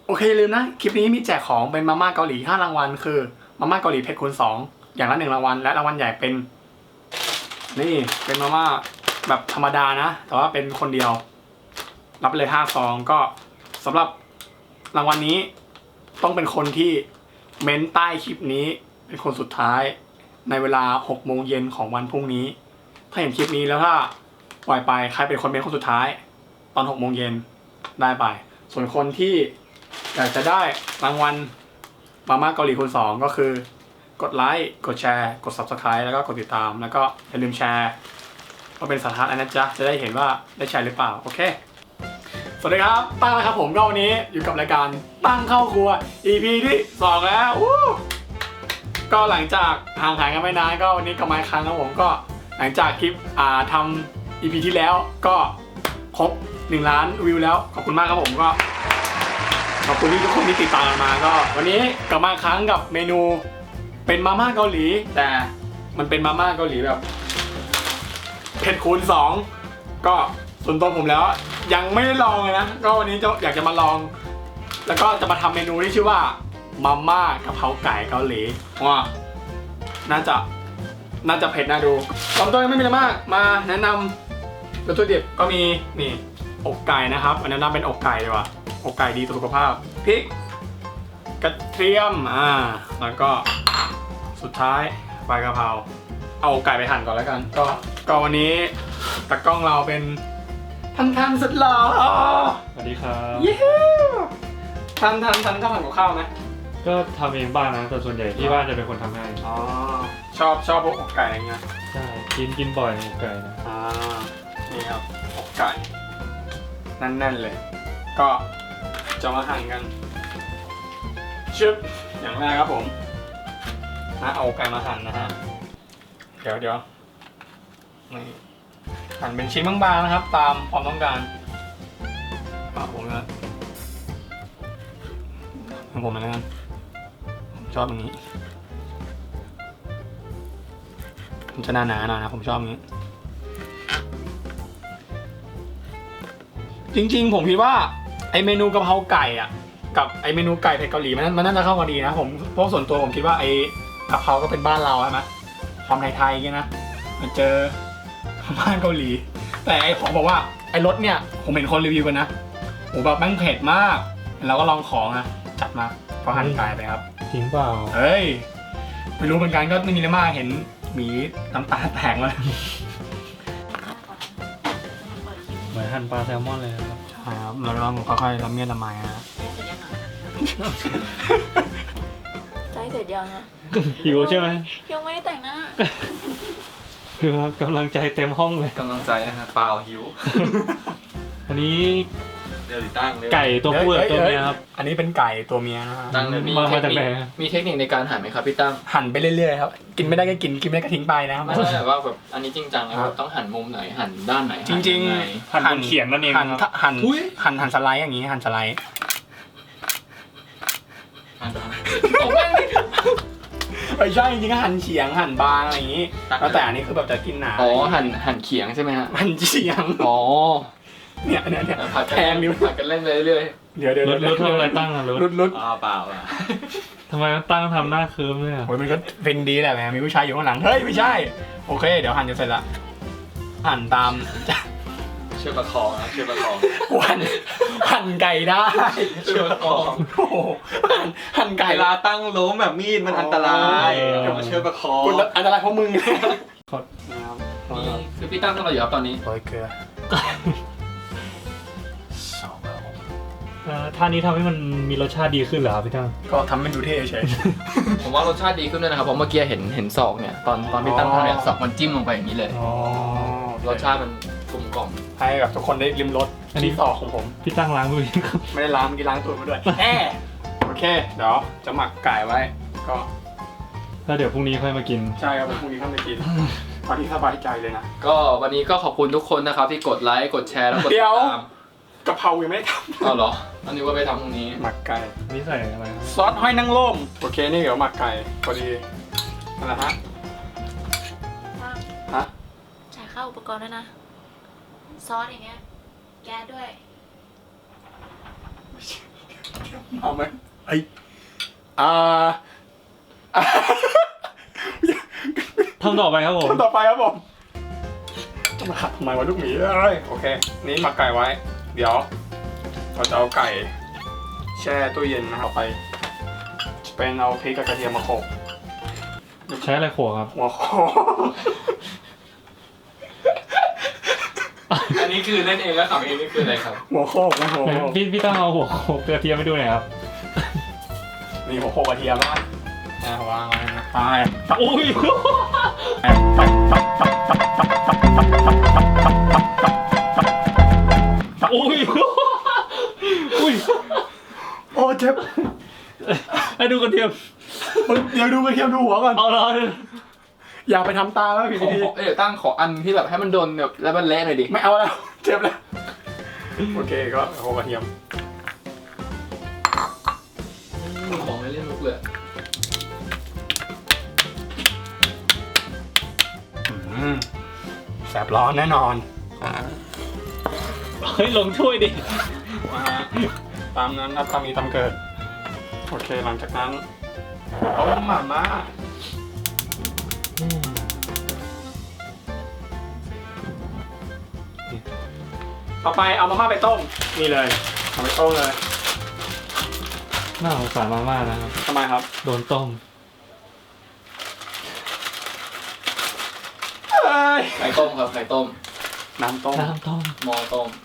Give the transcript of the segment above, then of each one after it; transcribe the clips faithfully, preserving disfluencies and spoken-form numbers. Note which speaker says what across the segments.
Speaker 1: โอเคลืมนะคลิปนี้มีแจกของเป็นมาม่าเกาหลีห้ารางวัลคือมาม่าเกาหลีเผ็ดคูณสองอย่างละหนึ่งรางวัลและรางวัลใหญ่เป็นนี่เป็นมาม่าแบบธรรมดานะแต่ว่าเป็นคนเดียวรับไปเลยห้าซองก็สำหรับรางวัลนี้ต้องเป็นคนที่เม้นใต้คลิปนี้เป็นคนสุดท้ายในเวลาหกโมงเย็นของวันพรุ่งนี้ถ้าเห็นคลิปนี้แล้วถ้าปล่อยไปใครเป็นคนเม้นคนสุดท้ายตอนหกโมงเย็นได้ไปส่วนคนที่อยากจะได้รางวัลมาม่าเกาหลีคูณสองก็คือกดไลค์กดแชร์กด ซับสไครบ์ แล้วก็กดติดตามแล้วก็อย่าลืมแชร์ก็เป็นสาธารณะนะจ๊ะจะได้เห็นว่าได้แชร์หรือเปล่าโอเคสวัสดีครับตั้งนะครับผมก็วันนี้อยู่กับรายการตั้งเข้าครัว อี พี ที่สองแล้วก็หลังจากห่างหายกันไม่นานก็วันนี้กลับมาอีกครั้งครับผมก็หลังจากคลิปอ่าทำ อี พี ที่แล้วก็ครบหนึ่งล้านวิวแล้วขอบคุณมากครับผมก็ขอบคุณที่ทุกคนที่ติดตามมาก็วันนี้กลับมาอีกครั้งกับเมนูเป็นมาม่าเกาหลีแต่มันเป็นมาม่าเกาหลีแบบเผ็ดคูณสองก็ส่วนตัวผมแล้วยังไม่ได้ลองเลยนะก็วันนี้จะอยากจะมาลองแล้วก็จะมาทำเมนูที่ชื่อว่ามาม่ากะเพราไก่เกาหลีว้าน่าจะน่าจะเผ็ดน่าดูตอนต้นยังไม่มีอะไรมากมาแนะนำวัตถุดิบก็มีนี่อกไก่นะครับอันนั้นเป็นอกไก่ดีกว่าอกไก่ดีต่อสุขภาพพริกกระเทียมอ่าแล้วก็สุดท้ายใบอกะเพราเอาไก่ไปหั่นก่อนแล้วกันก็ก็วันนี้ตากล้องเราเป็นทันทันสุดหล่อ
Speaker 2: สวัสดีครับ
Speaker 1: เย้ทันทันทันก็ทำกับข้าวไหม
Speaker 2: ก็ทำเองบ้างนะแต่ส่วนใหญ่ที่บ้านจะเป็นคนทำให้
Speaker 1: อ๋อชอบชอพวกอกไก่อะไรเงี้ย
Speaker 2: ใช่กินกินบ่อยอกไก่นะ
Speaker 1: อ่านี่ครับอกไก่แน่นๆเลยก็จะมาหั่นกันชึบอย่างแรกครับผมนะเอาไก่มาหั่นนะฮะเดี๋ยวเดี๋ยวนี่หั่นเป็นชิ้นบางๆนะครับตามความต้องการปากผมนะของผมนะกันผมชอบอย่างนี้มันจะหนาๆหน่อยนะผมชอบอย่างนี้จริงๆผมคิดว่าไอเมนูกะเพราไก่อ่ะกับไอเมนูไก่เผ็ดเกาหลีมันมันน่าจะเข้ากันดีนะผมเพราะส่วนตัวผมคิดว่าไอกะเพราก็เป็นบ้านเราใช่ไหมความไทยๆอย่างนี้นะมาเจอบ้านเกาหลีแต่ไอของบอกว่าไอรสเนี่ยผมเห็นคนรีวิวกันนะโอ้แบบแม่งเผ็ดมากเราก็ลองของนะจัดมาก็หั่นไก่ไปครับ
Speaker 2: จริงเปล่า
Speaker 1: เฮ้ยไม่รู้เหมือนกันก็ไม่มีอะไรมากเห็นหมีน้ำตาแตกเลย
Speaker 2: เหมือนหั่นปลาแซลมอนเลยครับ
Speaker 1: ใช่ครับเราลองค่อยๆละเมียดละไมนะ
Speaker 3: ใกล้เสร็จยังอะ
Speaker 2: หิวใช่ไหม
Speaker 3: ยังไม่ได้แต่งหน้า
Speaker 2: คือครับกำลังใจเต็มห้องเลย
Speaker 4: กำลังใจนะฮะเปล่าหิว
Speaker 2: อันนี้
Speaker 4: เดี๋ยวติดตั้งเลย
Speaker 2: ไก่ตัวผู้กับตัวเมียครับ
Speaker 1: อันนี้เป็นไก่ตัวเมียนะฮะ
Speaker 4: ตั้งเลยมีเทคนิคมีเทคนิคในการหั่นไหมครับพี่ตั้ม
Speaker 1: หั่นไปเรื่อยๆครับกินไม่ได้ก็กินกินไม่ได้ก็ทิ้งไปนะครับ
Speaker 4: ไม่ใช่แบบว่าแบบอันนี้จริงจังนะครับต้องหั่นมุมไหนหั่นด้านไหน
Speaker 1: จริงๆ
Speaker 2: หั่นเขียงนั่นเอง
Speaker 1: หั่นหั่นหั่นหั่นสไลด์อย่างนี้หั่นสไลด์ไม่ใช่จริงๆก็หั่นเฉียงหั่นบางอะไรอย่างนี้แล้วแต่อันนี้คือแบบจะกินหนา
Speaker 4: อ๋อหั่นหั่นเขียงใช่ไหมฮะ
Speaker 1: หั่นเฉียง
Speaker 4: อ๋อ
Speaker 1: เนี่ยเนี่ยเนี่ย
Speaker 4: ผัดแทงนิ้วผัดกันเล่นไปเรื่อย
Speaker 1: เดี๋ยวเดี๋ยว
Speaker 2: รุดรุดทำอะไรตั้งอะรุด
Speaker 1: รุดรุด
Speaker 4: อ๋อเปล่าอ่ะ
Speaker 2: ทำไมตั้งทำหน้าเคิร์มเนี่ย
Speaker 1: โอ้ยมันก็เป็นดีแหละแม่มีผู้ชายอยู่ข้างหลังเฮ้ยไม่ใช่โอเคเดี๋ยวหั่นจะเสร็จละหั่นตาม
Speaker 4: เชือกประคองนะเชือกประคอง
Speaker 1: หั่นหั่นไก่ได้
Speaker 4: เชือกประคอง
Speaker 1: โอ้โหหั่นหั่นไก่
Speaker 4: เวลาตั้งล้มแบบมีดมันอันตรายเดี๋ยวมาเชือกประคอง
Speaker 1: อันตรายเพราะมึง
Speaker 4: นี่คือพี่ตั้งทำอะไรอยู่ครับตอนนี้
Speaker 1: โรยเกลือ
Speaker 2: ท่านี้ทำให้มันมีรสชาติดีขึ้นเหรอครับพี่ตั้ง
Speaker 1: ก็ทำให้ดูเท่เฉย
Speaker 4: ผมว่ารสชาติดีขึ้นด้วยนะครับเพราะเมื่อกี้เห็นเห็นศอกเนี่ยตอนตอนพี่ตั้งทำเนี่ยศอกมันจิ้มลงไปอย่างนี้เลยรสชาติมันกลมกล่อม
Speaker 1: ให้แบบทุกคนได้ริมรสที่ศอกของผม
Speaker 2: พี่ตั้งล้างมือ
Speaker 1: ไม่ได้ล้างเมื่อกี้ล้างตัวมาด้วยแอบโอเคเดี๋ยวจะหมักไก่ไว้ก็
Speaker 2: แล้วเดี๋ยวพรุ่งนี้ค่อยมากิน
Speaker 1: ใช่ครับพรุ่งนี้ค่อยมากินพอที่สบายใจเลยนะ
Speaker 4: ก็วันนี้ก็ขอบคุณทุกคนนะครับที่กดไลค์กดแชร์แล้วกดติดตาม
Speaker 1: กะเพรายังไม่ได้ทำ
Speaker 4: อ๋อเหรออันนี้ว่าไปทำพรุ่งนี้
Speaker 1: หมักไก่
Speaker 2: นี่ใส่อะไร
Speaker 1: ซอสหอยนางรมโอเคนี่เดี๋ยวหมักไก่พอดีนั่นแหละฮะฮะ
Speaker 3: จ่ายค่าอุปกรณ์ด้วยนะซอสอย่างเงี้ยแก๊สด้วย
Speaker 1: เอาไหมไออ่า
Speaker 2: ทำต่อไปครับผม
Speaker 1: คนต่อไปครับผมจะมาขัดทำไมวะลูกหมีเอ้ยโอเค นี่หมักไก่ไว้ เดี๋ยว เราจะเอาไก่แช่ตู้เย็นนะครับไป เป็นเอาพริกกับกระเทียมมาโขลก
Speaker 2: ใช้อะไรโขกครับ
Speaker 1: หัวโขก
Speaker 4: อันนี้คือเล่นเองแล้วขำเองนี่คืออะไรครับ
Speaker 1: หัวโขกนะหัวโขก
Speaker 2: พี่พี่ต้องเอาหัวโขกกระเทียมไปดูหน่อยครับ
Speaker 1: นี่หัวโขกกระเทียมนะอ่าวางไว้นะไป
Speaker 2: อุ้ย อุ้ย อุ้ย
Speaker 1: โอ้เจ็บ
Speaker 2: ให้ดูกระเทียม
Speaker 1: เดี๋ยวดูกระเทียมดูหัวก่อน
Speaker 2: เอาละ
Speaker 1: อย่าไปทำตาแล้วผิด
Speaker 4: ขอ
Speaker 1: ที
Speaker 4: ขอเอ้ยเดี๋ยวตั้งขออันที่แบบให้มันโดนแบบแล้วมันเละหน่อยดิ
Speaker 1: ไม่เอาแล้วเจ็บแล้วโอเคก็โขลกกระเทียม
Speaker 4: ของไม่เล่นมุกเลย
Speaker 1: อืมแสบร้อนแน่นอน
Speaker 2: เฮ้ยลงช่วยดิ
Speaker 1: มาตามนั้นครับตามมีตามเกิด โอเคหลังจากนั้นต้มหม่าม่าต่อไปเอามาม่าไปต้มนี่เลยเอาไปต้มเลย
Speaker 2: น่าสงสารมากๆนะครับ
Speaker 1: ทำไมครับ
Speaker 2: โดนต้ม
Speaker 1: เอ้ย
Speaker 4: ไข่ต้มครับไข่ต้ม
Speaker 1: น้ำต้ม
Speaker 2: น้ำต้ม
Speaker 4: หมอต้ม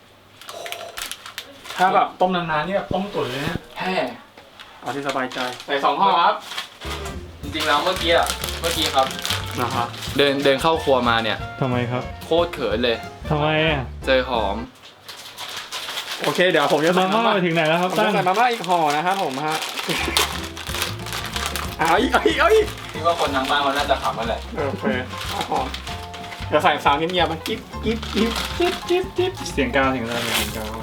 Speaker 1: ถ้าแบบต้มนานๆนี่แบบต้มตุ๋นเลยนะ
Speaker 4: แฮ่
Speaker 1: เอาที่สบายใจใส่สองห่อครับ
Speaker 4: จริงๆแล้วเมื่อกี้อะเมื่อกี้ครับ
Speaker 1: นะครับ
Speaker 4: เดินเดินเข้าครัวมาเนี่ย
Speaker 2: ทำไมครับ
Speaker 4: โคตรเขินเลย
Speaker 2: ทำไมอ่ะ
Speaker 4: เจอหอม
Speaker 1: โอเคเดี๋ยวผมจะ
Speaker 2: มา
Speaker 1: ใส่
Speaker 2: ม่า
Speaker 1: มาม่า
Speaker 2: ไปถึงไหนแล้วครับ
Speaker 1: ผม
Speaker 2: ตั้
Speaker 1: จะ
Speaker 2: ง
Speaker 1: ใส่มาม่าอีกห่อนะครับผมฮะเอาอีกเอาอีกเอาอีก
Speaker 4: คิดว่าคนทางบ้านเขาน่าจะขำกันแหละ
Speaker 1: โอเคเอาห่อเดี๋ยวใส่สามเงียบๆมันกิ๊บกิ๊บกิ๊บจิ๊บจิ๊บจิ๊บ
Speaker 2: เสียงกาวเสียงกาวเสียงกาว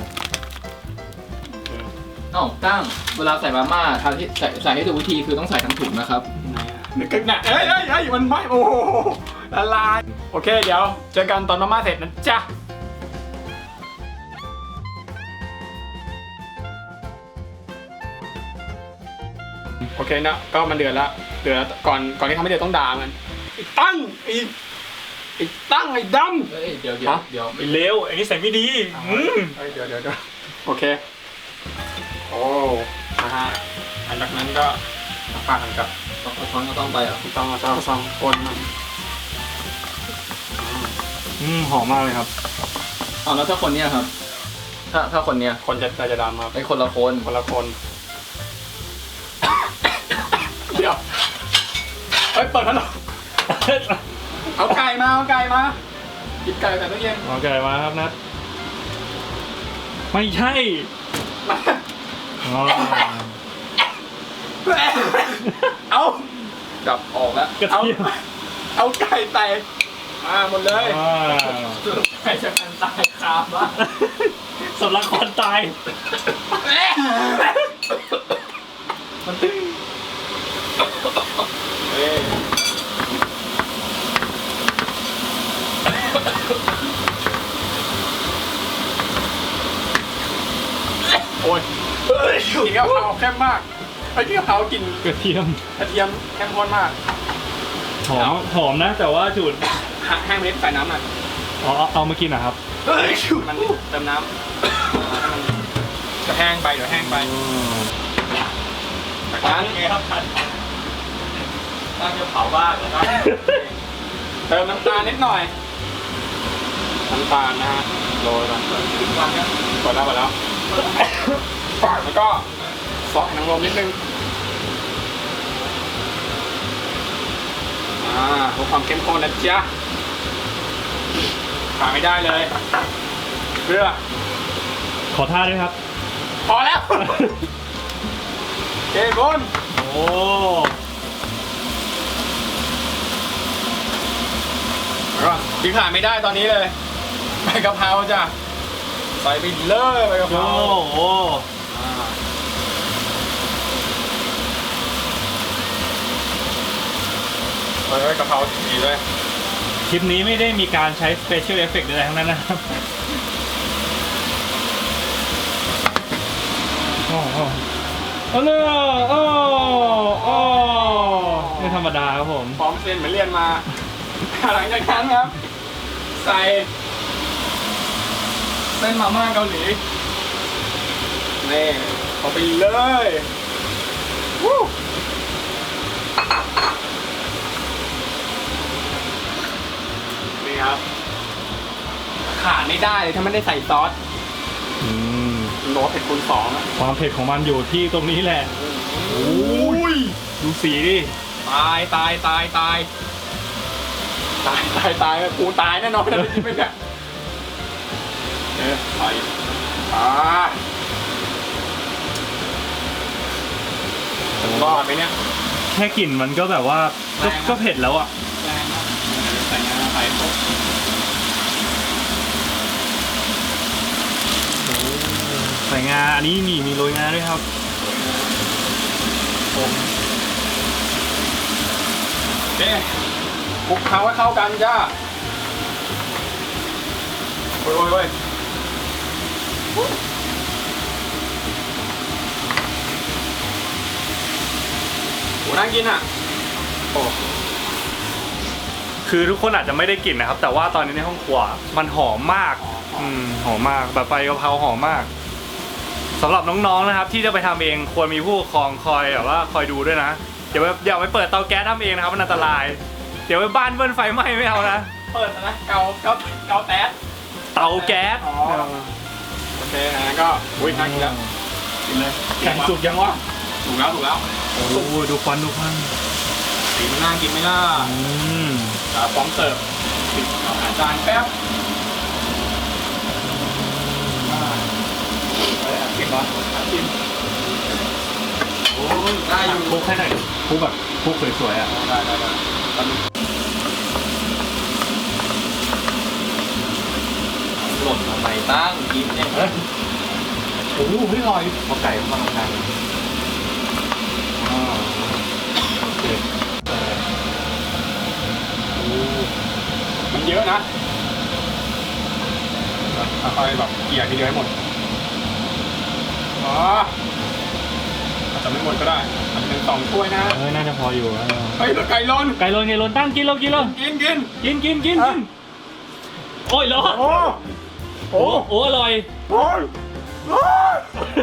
Speaker 4: เอ้าตั้งเวลาใส่มาม่าทางที่ใส่ใส่ให้ถูกวิธีคือต้องใส่ทั้งถุงนะครับ
Speaker 1: นึกกันนะเอ้ยเอ้ยเอ้ยมันไหม้โอ้โหละลายโอเคเดี๋ยวเจอกันตอนมาม่าเสร็จนะจ๊ะโอเคนะก็มันเดือดแล้วเดือดแล้วก่อนก่อนที่ทำให้เดือดต้องด่ามันไอ้ตั้งไอ้ไอ้ตั้งไอ้ดำ
Speaker 4: เฮ้ยเดี๋ยวเดี๋ยวเดี๋ยว
Speaker 2: ไปเร็วอันนี้ใส่ไม่ดีอืม
Speaker 1: เฮ้ยเดี๋ยวเดี๋ยวเดี๋ยวโอเคโอ้นะฮะหลังจากนั้นก็น้ำปลากันกับ
Speaker 4: ต้องช้อนก็ต้องไปอ่ะ
Speaker 1: ต้องเอาซองซองคนมัน
Speaker 2: อืมหอมมากเลยครับ
Speaker 4: เอาแล้วถ้าคนเนี้ยครับ ถ้าถ้าคนเนี้ย
Speaker 1: คนจะจะดำครับ
Speaker 4: ไอ้คนละคน
Speaker 1: คนละคน เดี๋ยวเฮ้ยเปิดพัดลมเอาไก่มาเอาไก่มาหยิบไก่แต่ตู้เย็น
Speaker 2: โอเคมาครับนัดไม่ใช่
Speaker 1: มา
Speaker 2: อ๋อ
Speaker 1: เอา
Speaker 4: จับออกแล้ว
Speaker 2: กระ
Speaker 1: เอา
Speaker 2: เทียม
Speaker 1: เอาไก่ใส่มาหมดเลย
Speaker 2: ว้าว
Speaker 4: ใครจะกันตายคาบ้าน
Speaker 2: สำลักควันตาย
Speaker 1: มันตึ้งเอ้ยโอ้ยกินกะเพราเข้มมากไอ้ที่กะเพรากลิน
Speaker 2: กระเทียม
Speaker 1: กระเทียมเข้มข้นมาก
Speaker 2: หอมหอมนะ แต่ว่าจุด
Speaker 1: แห้งเม็ดใส่น้ำหน่อย
Speaker 2: อ๋อเอาเอามากินเหรอครับ
Speaker 1: มันเติมน้ำจะแห้งไปเดี๋ยวแห้งไปจากนั้น
Speaker 2: ไงครับท่านตั้งจะเผาบ้านนะครับ
Speaker 1: เติมน้ำตาลนิดหน่อยน้ำตาลนะฮะโรยก่อนกดแล้วกดแล้วแล้วก็ซอสหนังรมนิดนึงอ่าเพื่อความเข้มข้นนะจ๊ะขาดไม่ได้เลยเพื่อ
Speaker 2: ขอท่าด้วยครับ
Speaker 1: พอแล้วเกบุน
Speaker 2: โอ้
Speaker 1: แล้วก็ที่ขาดไม่ได้ตอนนี้เลยใบกะเพราจ้ะใส่ไปเลยใบกะเพ
Speaker 2: โห
Speaker 1: รา
Speaker 2: โอ้
Speaker 1: อ่าใส่ใบกะเพราดีๆเลย
Speaker 2: คลิปนี้ไม่ได้มีการใช้ Special Effect ใดๆทั้งนั้นนะครับ โอ้อ๋อโอ้โหโอ้โอ้ไม่ธรรมดาครับผม
Speaker 1: พร้อมเซ็นเหมือนเรียนมา หลังจากนั้นครับ ใส่เส้นมาม่าเกาหลีนี่เอาไปเลยวู้นี่ครับ ขาดไม่ได้เลยถ้าไม่ได้ใส่ซอส
Speaker 2: อืม
Speaker 1: โรสเผ็ดคูณสองอะ
Speaker 2: ความเผ็ดของมันอยู่ที่ตรงนี้แหละ
Speaker 1: โอ้ย
Speaker 2: ดูสีดิ
Speaker 1: ตายตายตายตายตายตายตายกูตายแน่นอนนะที่ไม่เนี่ยเอ๊ะใส่อ่ารอดไหมเนี่ย
Speaker 2: แค่กลิ่นมันก็แบบว่าก็
Speaker 1: แรงนะ
Speaker 2: ก็เผ็ดแล้วอ่ะ
Speaker 1: แรงมากใส่งาใส่ปุ๊บ
Speaker 2: ใส่งาอันนี้มีมีโรยงาด้วยครับ
Speaker 1: โอเคคลุกเคล้าให้เข้ากันจ้าโอ้ยโอ้ยโอ้ยโหน่ากินอ่ะโอ้
Speaker 2: คือทุกคนอาจจะไม่ได้กลิ่นนะครับ แต่ว่าตอนนี้ในห้องครัวมันหอมมาก อืมหอมมากแบบใบกะเพราหอมมากสำหรับน้องๆนะครับ ที่จะไปทำเองควรมีผู้ปกครองคอยแบบว่าคอยดูด้วยนะอย่าไปอย่าไปเปิดเตาแก๊สทำเองนะครับมันอันตราย เดี๋ยวไปบ้านเบิ้ลไฟไหม้ไม่เอานะ
Speaker 1: เปิดนะเกาเกาเกาแต๊ด
Speaker 2: เตาแก๊ส
Speaker 1: อ๋อโอเคนะก็อุ้ยน่ากินแล้วกินเลย
Speaker 2: แข็งสุกยังวะ
Speaker 1: ถูกแล้วถูกแล้ว
Speaker 2: โอ้ดูควันดูควัน
Speaker 1: สีมันน่ากินไหมล่ะ
Speaker 2: อืม
Speaker 1: อ่าพร้อมเสิร์ฟปิดอาจารย์แป๊บอ่าเอ้ยอ่ะกินเหรออ่ะกินโอ้ยได้อยู่
Speaker 2: คลุกให้หน่อยคลุกแบบคลุกสวยๆอ่ะ
Speaker 1: ได้ได้ได้ตอนนี้หล่นทำไมตั้งกินเองเฮ้ยโอ้โหไม่ลอยพอไก่มาทำงานอ่าโอเคโอ้มันเยอะนะค่อยๆแบบเกี่ยทีเดียวให้หมดอ๋ออาจจะไม่หมดก็ได้อาจจะเป็นสองถ้วยนะ
Speaker 2: เออน่าจะพออยู่
Speaker 1: เฮ้ยแล้วไก่ร้อน
Speaker 2: ไก่โรยไก่โรยตั้งกินแล้วกินแล้ว
Speaker 1: กินกิน
Speaker 2: กินกินกินกินโอ้ยร้อน
Speaker 1: โอ้
Speaker 2: โอ้โอ้อร่อย
Speaker 1: โอ้ยโอ้ย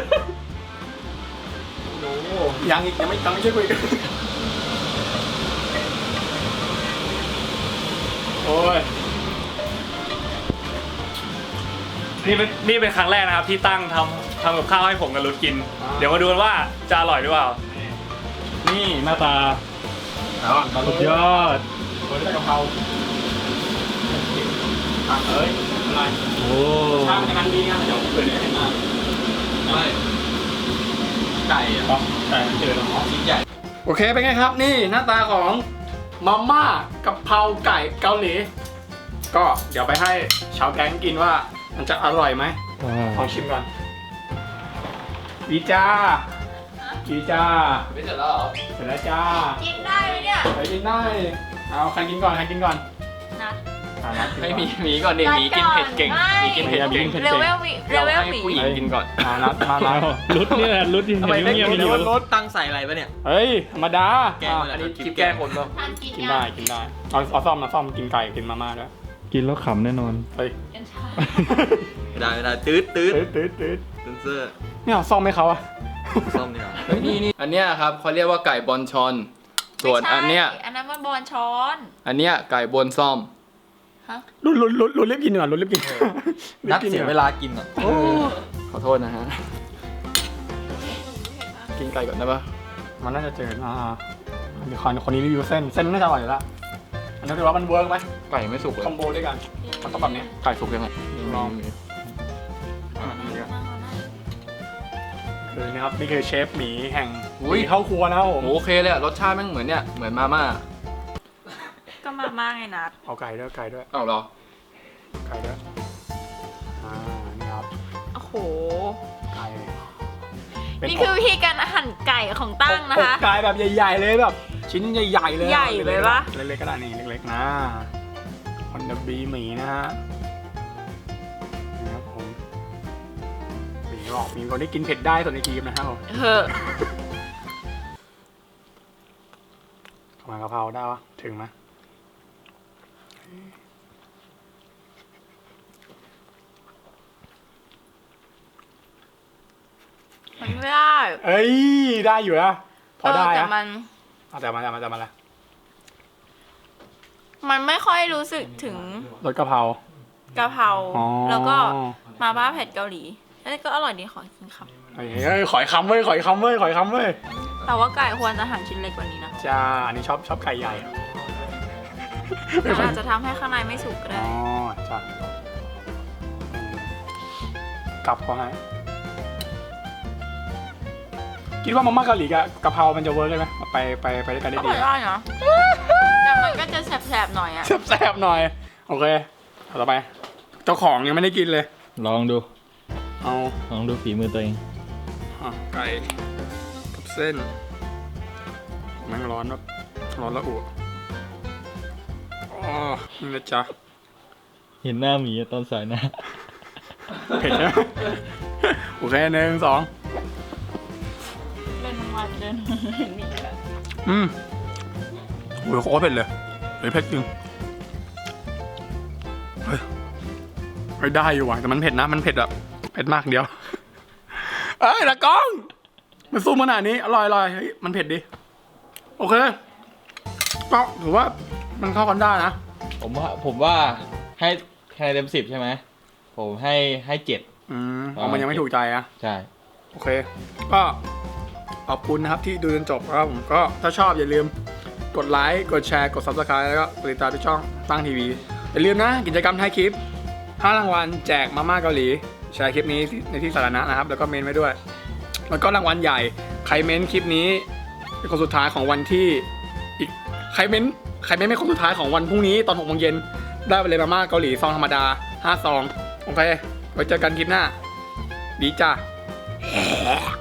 Speaker 1: โอ้ยังอีกยังไม่ยังไม่ช่วยคุยกันโอ้ย
Speaker 2: นี่เป็นนี่เป็นครั้งแรกนะครับที่ตั้งทำทำกับข้าวให้ผมกับรุดกิน เดี๋ยวมาดูกันว่าจะอร่อยหรือเปล่า นี่หน้าตา
Speaker 1: แล้วตอน
Speaker 2: สุดยอด
Speaker 1: โรยด้วยกะเพราอ่ะเอ้ยอะไร
Speaker 2: โอ้
Speaker 1: ชาติมันกันดีไงเดี๋ยวเผื่อได้เห็นหน้าไม่ไก่อ่ะไก่มันเจอแล้วอ๋อชิ้นใหญ่โอเคเป็นไงครับนี่หน้าตาของมาม่ากะเพราไก่เกาหลีก็เดี๋ยวไปให้ชาวแก๊งกินว่ามันจะอร่อยไหมลองชิมก่อนดีจ้าดีจ้า
Speaker 4: ไม่เสร็จแล้วเหรอ
Speaker 1: เสร็จแล้วจ้า
Speaker 3: กินได้ไหมเนี่ย
Speaker 1: ไปกินได้เอาใครกินก่อนใครกินก่อน
Speaker 3: นะ
Speaker 1: อ่ะนัดกินก่อน
Speaker 4: ให้หมีหมีก่อนดิหมีกินเผ็ดเก่งหมีกินเผ็ดเก่ง
Speaker 3: เรเวลมีเร
Speaker 4: เรา
Speaker 3: เวล
Speaker 4: ให้
Speaker 3: มี
Speaker 4: ผู้หญิงกินก่อน
Speaker 1: อ่ะนัดมานัด
Speaker 2: รุดนี่แหละรุดที่เห็นเงียบๆอยู่
Speaker 4: รถตั้งใส่อะไรปะเนี่ย
Speaker 1: เฮ้ยธรรมดา
Speaker 4: แกง
Speaker 1: อ่ะ
Speaker 4: มันอันนี้คลิปแกงคนป่ะ
Speaker 3: ทานกิน
Speaker 1: กิน
Speaker 3: ยั
Speaker 1: ได้
Speaker 3: ง
Speaker 1: กินได้เอาเอาซ่อมมาซ่อมกินไก่กินมาม่าด้วย
Speaker 2: กินแล้วขำแน่นอน
Speaker 1: เฮ้ย
Speaker 3: กัญชา
Speaker 4: ไม่ได้ไม่ได้ตืดตืด
Speaker 1: ตืดตืดตืด
Speaker 4: เซนเซอร์
Speaker 1: ไม่เอาซ่อมให้เขาอะ
Speaker 4: ซ่อมเนี่ยเฮ้ยนี่นี่อันเนี้ยครับเขาเรียกว่าไก่บอลชอน ส่วนอันเนี้ย
Speaker 3: ไม่ใช่อันนั้นมันบอลช้อน
Speaker 4: อันเนี้ยไก่บนซ่อม
Speaker 3: ฮะ
Speaker 1: ลุ้นลุ้นลุ้นลุ้นรีบกินก่อนลุ้นรีบกิน
Speaker 4: นัดเสียเวลากินอ่ะขอโทษนะฮะ กินไก่ก่อนได้ปะ
Speaker 1: มันน่าจะเจออ่าเดี๋ยวคนคนนี้รีวิวเส้นเส้นน่าจะอร่อยอยู่แล้วอันนี้คือว่ามันเวิร์กไหม
Speaker 4: ไก่ไม่สุกเลย
Speaker 1: คอมโบด้วยกันมันต้องแบบเนี้ย
Speaker 4: ไก่สุกยังไง
Speaker 1: ลอง
Speaker 3: นั่งเอานั่ง
Speaker 1: คือนะครับนี่คือเชฟหมีแห่ง
Speaker 4: อุ้ย
Speaker 1: หมีเข้าครัวนะครับผม
Speaker 4: โอเคเลยอะรสชาติแม่งเหมือนเนี่ยเหมือนมาม่า
Speaker 3: ก็มาม่าไงนัด
Speaker 1: เอาไก่ด้วยไก่ด้วย
Speaker 4: อ้าวเหรอ
Speaker 1: ไก่ด้วยอ่านี่ครับ
Speaker 3: โอ้โห
Speaker 1: ไก่เป็
Speaker 3: นี่คือวิธีการหั่นไก่ของตั้งนะคะ
Speaker 1: อกไก่แบบใหญ่ๆเลยแบบ ชิ้นใหญ่ๆเลย
Speaker 3: ใหญ่ไปปะ
Speaker 1: เล็กๆก็ได้นี่เล็กๆนะคอนเดบีหมีนะฮะนี่ครับผมหมีนี่บอกมีคนที่กินเผ็ดได้ส่วนในกีมนะครับผม
Speaker 3: เฮ้อ
Speaker 1: ทำไมกะเพราได้วะถึงไหม
Speaker 3: มันไม่ได้
Speaker 1: เอ้ยได้อยู่นะพอได้
Speaker 3: เแต่
Speaker 1: อะ
Speaker 3: มัน
Speaker 1: เอาแต่มาแต่มาแต่มาละ
Speaker 3: มันไม่ค่อยรู้สึกถึง
Speaker 1: รสกะเพราก
Speaker 3: ะเพรา
Speaker 1: อ๋อ
Speaker 3: แล้วก็มาม่าเผ็ดเกาหลีแล้วก็อร่อยดีขอกินครับ
Speaker 1: เฮ้ยเฮ้ยขอยคำเว้ยขอยคำเว้ยขอยคำเว้ย
Speaker 3: แต่ว่าไก่ควรจะหั่นชิ้นเล็กกว่านี้นะ
Speaker 1: จ้าอันนี้ชอบชอบไก่ใหญ่อะ
Speaker 3: มันอาจจะทำให้ข้างในไม่สุกก็ได้
Speaker 1: อ๋อจ้ะกลับเขาให้คิดว่ามาม่าเกาหลีกับกะเพรามันจะเวิร์กได้ไหมไปไปไปด้วยกันได้
Speaker 3: ก็
Speaker 1: ดี
Speaker 3: พอได้นะแต่มันก็จะแสบๆหน่อยอ่ะ
Speaker 1: แซ่บๆหน่อย โอเคเอาต่อไป เจ้าของยังไม่ได้กินเลย
Speaker 2: ลองดู
Speaker 1: เอา
Speaker 2: ลองดูฝีมือตัวเอง
Speaker 1: อ่ะไก่กับเส้นแม่งร้อนแบบร้อนละอุอ๋อนี่นะจ๊ะ
Speaker 2: เห็นหน้าหมีตอนสายหน้า
Speaker 1: เผ็ดใช่ไหมโอเคหนึ่งสอง
Speaker 3: เล่นมาเล่นมีแบบ
Speaker 1: อืมโอ้ยโคตรเผ็ดเลยเฮ้ยเผ็ดจริงเฮ้ยเฮ้ยได้อยู่ว่ะแต่มันเผ็ดนะมันเผ็ดแบบเผ็ดมากเดียวเอ้ยตะกล้องมันสู้ขนาดนี้อร่อยอร่อยเฮ้ยมันเผ็ดดิโอเคก็ถือว่ามันเข้ากันได้นะ
Speaker 2: ผมว่าผมว่าให้คะแนนเต็มสิบใช่ไหมผมให้ให้เจ็ด
Speaker 1: อืมเอามันยังไม่ถูกใจอะ
Speaker 2: ใช่
Speaker 1: โอเค ก็ขอบคุณนะครับที่ดูจนจบครับผมก็ถ้าชอบอย่าลืมกดไลค์กดแชร์กด ซับสไครบ์ แล้วก็กดติดตามที่ช่องตั้งทีวีอย่าลืมนะกิจกรรมท้ายคลิปห้ารางวัลแจกมาม่าเกาหลีแชร์คลิปนี้ในที่สาธารณะนะครับแล้วก็เมนไว้ด้วย แล้วก็รางวัลใหญ่ใครเมนคลิปนี้เป็นคนสุดท้ายของวันที่อีกใครเมนใครเมนเป็นคนสุดท้ายของวันพรุ่งนี้ตอนหกโมงเย็นได้ไปเลยมาม่าเกาหลีซองธรรมดาห้าซองโอเคไว้เจอกันคลิปหน้าดีจ้า